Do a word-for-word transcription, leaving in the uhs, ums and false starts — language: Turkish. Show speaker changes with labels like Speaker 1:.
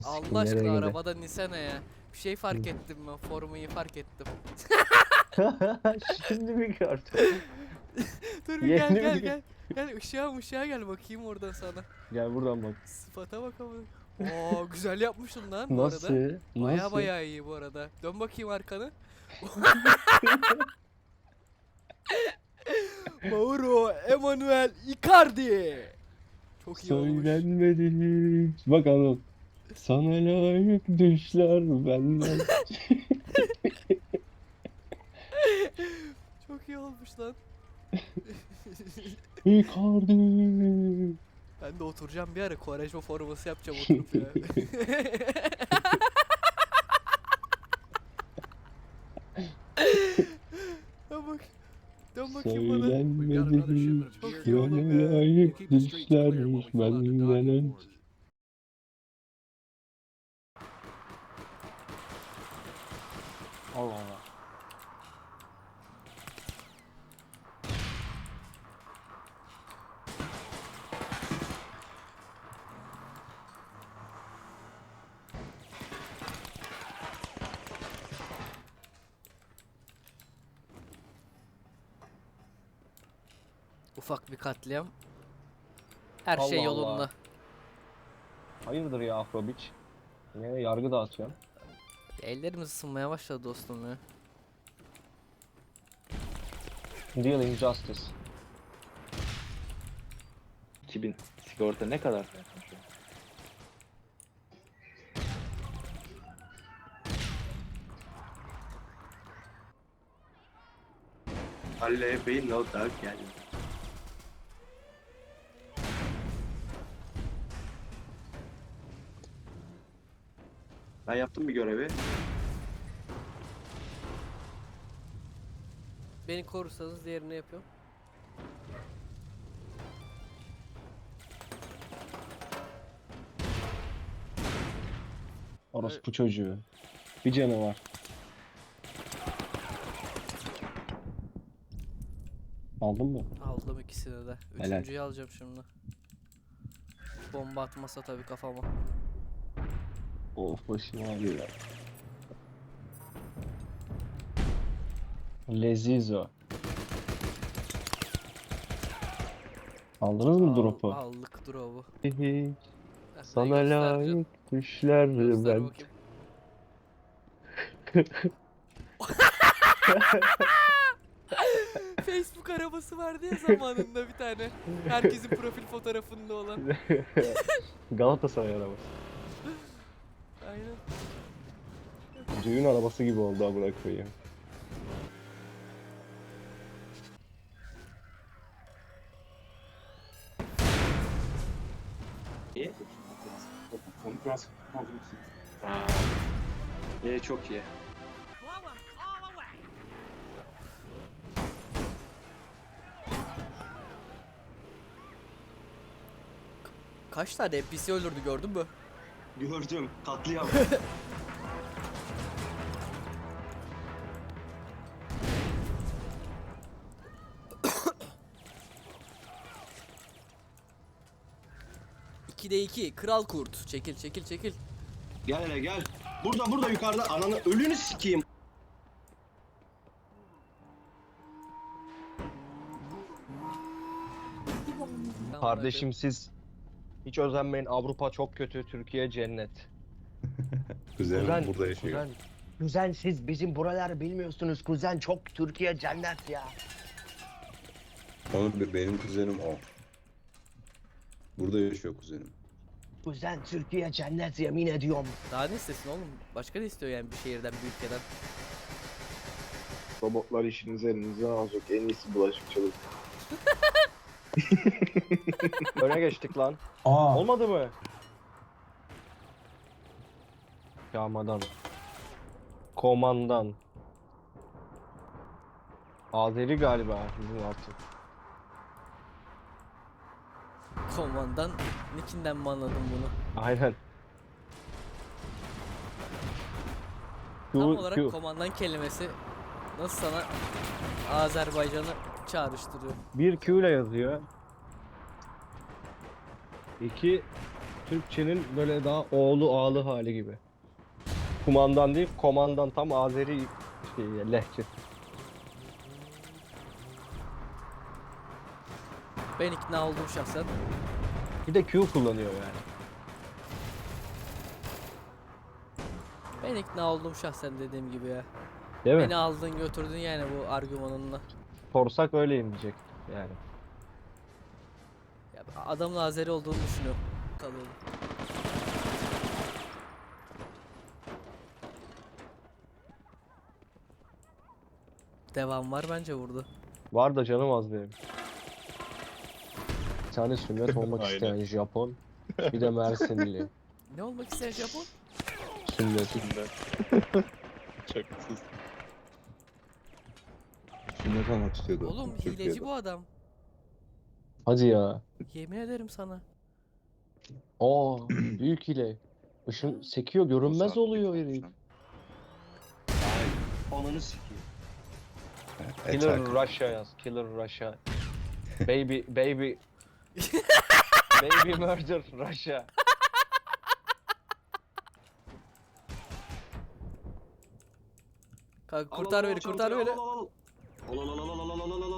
Speaker 1: Allah
Speaker 2: Nereye
Speaker 1: aşkına
Speaker 2: gidiyor?
Speaker 1: arabadan insene ya. Bir şey fark ettim ben. Formayı fark ettim.
Speaker 2: Şimdi mi gördün?
Speaker 1: Dur bir gel
Speaker 2: Yeni
Speaker 1: gel
Speaker 2: mi?
Speaker 1: gel. Gel ışığa ışığa gel bakayım oradan sana.
Speaker 2: Gel buradan bak.
Speaker 1: Sıfata bak ama. Oo güzel yapmışsın lan bu
Speaker 2: Nasıl?
Speaker 1: arada. Baya
Speaker 2: Nasıl?
Speaker 1: baya iyi bu arada. Dön bakayım arkanı. Mauro Emanuel Icardi. Çok iyi olmuş.
Speaker 2: Söylenmedi hiç. Bak Anıl. Sana layık düşler benden.
Speaker 1: Çok iyi olmuş lan.
Speaker 2: Icardi.
Speaker 1: Ben de oturacağım bir ara Quaresma forması yapacağım oturup ya. Dön bak. Dön bakayım bana.
Speaker 2: Söylenmedi hiç.
Speaker 1: Çok iyi oğlum
Speaker 2: Sana
Speaker 1: ya.
Speaker 2: layık düşler benden önce. Allah Allah.
Speaker 1: Ufak bir katliam. Her
Speaker 2: Allah
Speaker 1: şey
Speaker 2: Allah.
Speaker 1: yolunda.
Speaker 2: Hayırdır ya Afrobiç? Yine yargı dağıtıyorsun.
Speaker 1: Ellerimiz ısınmaya başladı dostum ya.
Speaker 2: Dealing justice.
Speaker 3: iki bin sigorta ne kadar? Halle Bey no doubt yani. Ben yaptım bir görevi.
Speaker 1: Beni korursanız diğerini yapıyorum.
Speaker 2: Orospu çocuğu. Bir canı var. Aldın mı?
Speaker 1: Aldım ikisini de.
Speaker 2: Helal.
Speaker 1: Üçüncüyü alacağım şimdi. Bomba atmasa tabii kafama.
Speaker 2: Of başım ağrıyor ya. Lezizo. Aldınız mı
Speaker 1: Al-
Speaker 2: drop'u?
Speaker 1: Aldık drop'u.
Speaker 2: Hihi.
Speaker 1: Ben
Speaker 2: Sana
Speaker 1: göstereceğim.
Speaker 2: layık düşler
Speaker 1: Göster
Speaker 2: ben.
Speaker 1: bakayım. Facebook arabası vardı ya zamanında bir tane. Herkesin profil fotoğrafında olan.
Speaker 2: Galatasaray arabası.
Speaker 1: Aynen.
Speaker 2: Düğün arabası gibi oldu amına koyayım.
Speaker 3: İyi. Aa, iyi çok iyi.
Speaker 1: Kaç tane N P C öldürdü gördün mü?
Speaker 3: Gördüm. Katliam.
Speaker 1: ikide iki Kral Kurt. Çekil çekil çekil.
Speaker 3: Gel hele gel. Burada burada yukarıda ananı ölünü sikeyim.
Speaker 2: Kardeşim siz hiç özenmeyin. Avrupa çok kötü, Türkiye cennet.
Speaker 4: Kuzenim
Speaker 2: Kuzen,
Speaker 4: burada yaşıyor.
Speaker 2: Kuzen, kuzen siz bizim buraları bilmiyorsunuz. Kuzen çok Türkiye cennet ya.
Speaker 4: Onu be- benim kuzenim o. Burada yaşıyor kuzenim.
Speaker 2: Kuzen Türkiye cennet yemin ediyorum.
Speaker 1: Daha ne istesin oğlum? Başka ne istiyor yani bir şehirden bir ülkeden?
Speaker 5: Robotlar işinizi elinize alacak. En iyisi bulaşıkçılık.
Speaker 2: Öne geçtik lan.
Speaker 4: Aa.
Speaker 2: Olmadı mı? Yağmadan. Komandan. Azeri galiba bizim artık.
Speaker 1: Komandan Nick'inden mi anladın bunu?
Speaker 2: Aynen.
Speaker 1: Tam
Speaker 2: Q,
Speaker 1: olarak
Speaker 2: Q.
Speaker 1: komandan kelimesi nasıl sana Azerbaycan'ı çağrıştırıyor?
Speaker 2: Bir Q ile yazıyor. İki Türkçenin böyle daha oğlu ağlı hali gibi. Kumandan değil, komandan, tam Azeri şey, lehçe.
Speaker 1: Ben ikna oldum şahsen.
Speaker 2: Bir de Q kullanıyor yani.
Speaker 1: Ben ikna oldum şahsen dediğim gibi ya.
Speaker 2: Değil mi?
Speaker 1: Beni aldın götürdün yani bu argümanınla.
Speaker 2: Sorsak öyleyim diyecek yani.
Speaker 1: Ya adamın Azeri olduğunu düşünüyorum. Tanıyorum. Devam var bence burada.
Speaker 2: Var da canım az benim. Bir tane sünnet olmak
Speaker 5: Aynen.
Speaker 2: isteyen Japon. Bir de Mersinli.
Speaker 1: Ne olmak isteyen Japon?
Speaker 2: Sünnet.
Speaker 5: Şakasız.
Speaker 4: Sünnet olmak istiyordu.
Speaker 1: Oğlum
Speaker 4: Türkiye'de.
Speaker 1: hileci bu adam.
Speaker 2: Hadi ya.
Speaker 1: Yemin ederim sana.
Speaker 2: Aa, büyük hile. Işın sekiyor, görünmez oluyor herif.
Speaker 3: Ananı sikeyim.
Speaker 2: Killer
Speaker 4: Attack.
Speaker 2: Russia yaz. Killer Russia. Baby, baby. Baby murder Russia.
Speaker 1: Kanka
Speaker 3: Al,
Speaker 1: kurtar
Speaker 3: al, al,
Speaker 1: beni kurtar
Speaker 3: çantayı,
Speaker 1: beni.
Speaker 3: al, al, al. Al al al al al al al al